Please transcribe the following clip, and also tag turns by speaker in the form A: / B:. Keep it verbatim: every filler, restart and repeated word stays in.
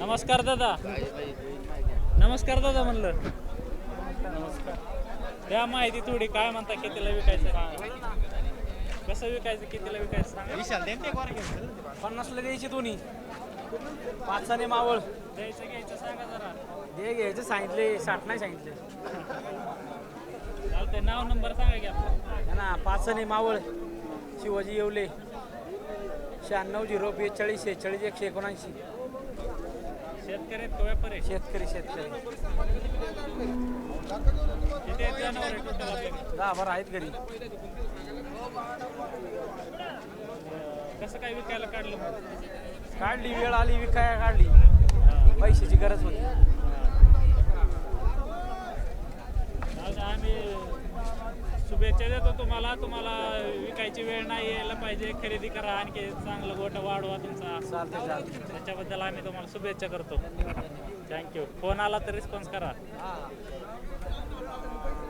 A: नमस्कार दादा. नमस्कार दादा म्हणलं. नमस्कार. द्या माहिती थोडी, काय म्हणता, कितीला विकायचं, कसं विकायचं, कितीला विकायचं सांगा.
B: पन्नासला द्यायची दोन्ही, पाचसाने मावळ
A: द्यायचं घ्यायचं सांगा जरा.
B: दे घ्यायचं सांगितले, साठ नाही सांगितले.
A: चालतंय, नाव नंबर सांगा की आपलं.
B: ना पाचसाने मावळ, शिवाजी येवले, शहाण्णव झिरो बेचाळीस शेहेचाळीस एकशे एकोणऐंशी.
A: शेतकरी आहेत का व्यापारी?
B: शेतकरी शेतकरी
A: किती आहेत जनावर आहे टोटल आपल्याकडे?
B: दहा बारा आहेत घरी.
A: कसं काय विकायला काढलं मग?
B: काढली वेळ आली विकाया काढली, पैशाची गरज होती.
A: चालतंय, आम्ही शुभेच्छा देतो तुम्हाला. तुम्हाला विकायची वेळ नाही यायला पाहिजे, खरेदी करा, आणखी चांगलं गोट वाढवा तुमचा.
B: चालते चालते.
A: त्याच्याबद्दल आम्ही तुम्हाला शुभेच्छा करतो. थँक्यू. फोन आला तर रिस्पॉन्स करा.
B: हां